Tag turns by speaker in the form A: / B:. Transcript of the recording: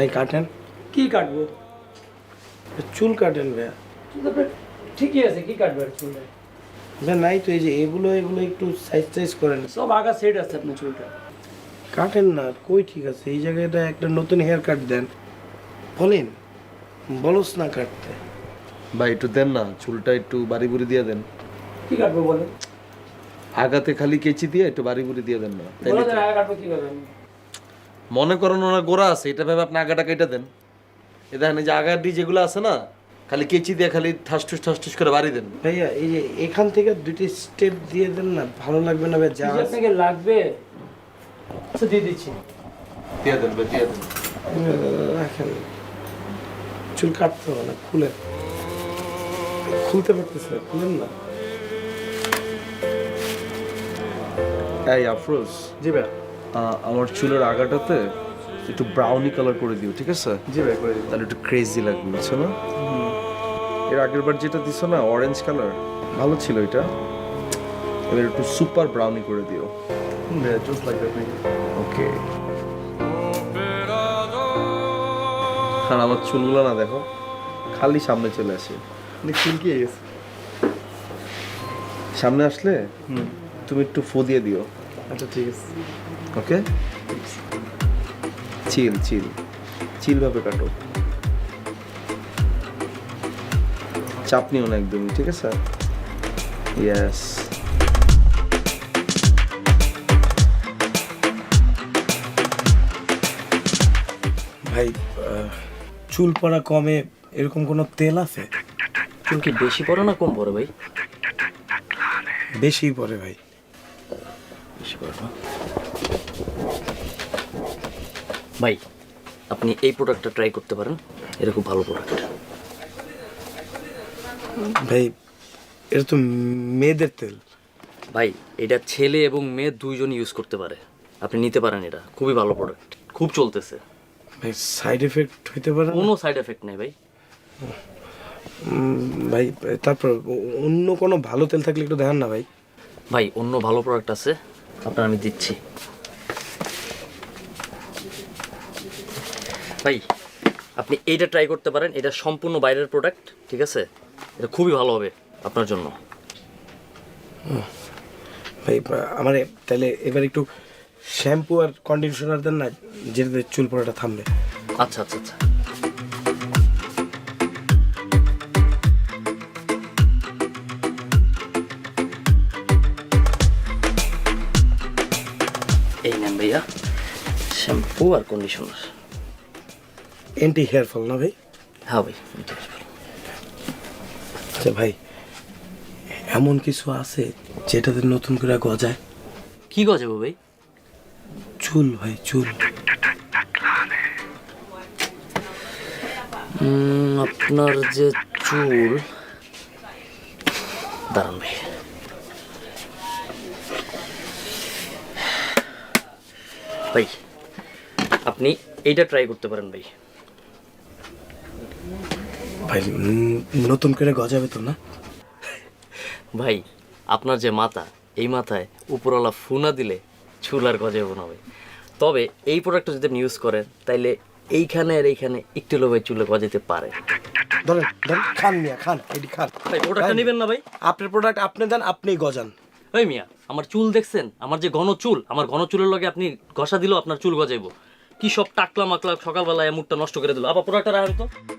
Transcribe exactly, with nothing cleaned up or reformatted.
A: ভাই কাটেন।
B: কি কাটবো?
A: চুল কাটেন ভাইয়া।
B: ঠিকই আছে, কি কাটবো আর চুল?
A: ভাই নাই তো, এই যে এগুলো এগুলো একটু সাইজ সাইজ করেন।
B: সব আগা সেট আছে আপনার চুলটা।
A: কাটেন না, কই ঠিক আছে, এই জায়গাটা একটা নতুন হেয়ার কাট দেন। বলেন, বলস না কাটতে।
C: ভাই একটু দেন না, চুলটা একটু বাড়ি বুড়ি দিয়ে দেন।
B: কি কাটবো বলেন?
C: আগাতে খালি কেচি দিয়ে একটু বাড়ি বুড়ি দিয়ে দেন না। তাইলে
B: বলে
C: তো-
B: দেন আগা কাটবো কিভাবে আমি?
C: মনে করেন ওনার গোড়া আছে, এটা ভেবে আপনি আগাটা কেটে দেন। এ দেখেন এই যে আগাডি যেগুলো আছে না, খালি কেচি দিয়ে খালি ঠাসঠুস ঠাসঠুস করে বাড়ি দেন।
A: ভাইয়া এই যে এখান থেকে দুইটি স্টেপ দিয়ে দেন না, ভালো লাগবে না ভাই? যা
B: কি যে আপনাকে লাগবে আচ্ছা দিয়ে দিচ্ছি।
C: দিয়ে দেন ভাই, দিয়ে দেন।
A: রাখেন, চুল কাটতে হবে না, খুলেন। খুলতে পারতেছে না, খুলেন না।
C: এই আফরোজ,
A: জি ভাই।
C: আহ, আমার চুলের আগাটাতে একটু ব্রাউনি কালার করে দিও, ঠিক আছে?
A: জি ভাই, করে দিন।
C: তাহলে একটু ক্রেজি লাগবে, বুঝছো না? এর আগের বার যেটা দিছো না অরেঞ্জ কালার, ভালো ছিল এটা। এবার একটু সুপার ব্রাউনি করে দিও।
A: জাস্ট লাইক দ্যাট ভাই।
C: ওকে। আর আমার চুলগুলো না দেখো, খালি সামনে চলে আসে।
A: চুল কি গেছে?
C: সামনে আসলে তুমি একটু ফো দিয়ে দিও।
A: আচ্ছা ঠিক আছে।
C: ওকে, চিল চিল চিল ভাবে কাটো, চাপ নিও না একদমই, ঠিক আছে? ইয়েস।
A: ভাই আহ, চুল পড়া কমে এরকম কোনো তেল আছে?
D: চুল কি বেশি পড়ে না কম পড়ে ভাই?
A: বেশি পড়ে ভাই।
D: বেশি পড়ে না ভাই, আপনি এই প্রোডাক্টটা ট্রাই করতে পারেন, এটা খুব ভালো প্রোডাক্ট।
A: ভাই এটা তো মেয়েদের তেল।
D: ভাই এটা ছেলে এবং মেয়ে দুইজন ইউজ করতে পারে, আপনি নিতে পারেন, এটা খুবই ভালো প্রোডাক্ট, খুব চলতেছে।
A: ভাই সাইড এফেক্ট হইতে পারে না?
D: কোনো সাইড এফেক্ট নেই ভাই।
A: উম, ভাই তারপর অ- অন্য কোনো ভালো তেল থাকলে একটু দেখান না ভাই।
D: ভাই অন্য ভালো প্রোডাক্ট আছে, আপনার আমি দিচ্ছি। ভাই আপনি এইটা ট্রাই করতে পারেন, এটা সম্পূর্ণ বাইরের প্রোডাক্ট, ঠিক আছে? এটা খুবই ভালো হবে আপনার জন্য।
A: ভাই আমার তাহলে এবার একটু শ্যাম্পু আর কন্ডিশনার দেন না, যেটাতে চুল পড়াটা থামবে।
D: আচ্ছা আচ্ছা আচ্ছা। এই নেন ভাইয়া, শ্যাম্পু আর কন্ডিশনার।
A: এন্টি হেয়ার ফল না ভাই?
D: হ্যাঁ ভাই, এটা ভালো।
A: আচ্ছা ভাই, এমন কিছু আছে যেটাতে নতুন করে গজায়?
D: কি গজাবো ভাই?
A: চুল ভাই, চুল।
D: উম, আপনার যে চুল, দাঁড়ান ভাই। ভাই আপনি এইটা ট্রাই করতে পারেন ভাই।
A: ভাই উম, নতুন করে গজাবে তো না?
D: ভাই আপনার যে মাথা, এই মাথায় উপরওয়ালা ফুনা দিলে চুল আর গজাবো না ভাই। তবে এই প্রোডাক্টটা যদি আপনি ইউজ করেন, তাইলে এইখানে আর এইখানে একটু লোভাই চুলে গজাতে পারে।
A: ধরেন ধরেন, খান মিয়া, খান, এটি খান।
D: ভাই প্রোডাক্টটা নেবেন না ভাই?
A: আপনার প্রোডাক্ট আপনি দেন, আপনিই গজান।
D: ওই মিয়া, আমার চুল দেখছেন? আমার যে ঘন চুল, আমার ঘন চুলের লগে আপনি ঘষা দিলেও আপনার চুল গজাইবো। কি সব টাকলা মাকলা সকালবেলায় মুখটা নষ্ট করে দিল। আবার প্রোডাক্টটা রাখেন তো।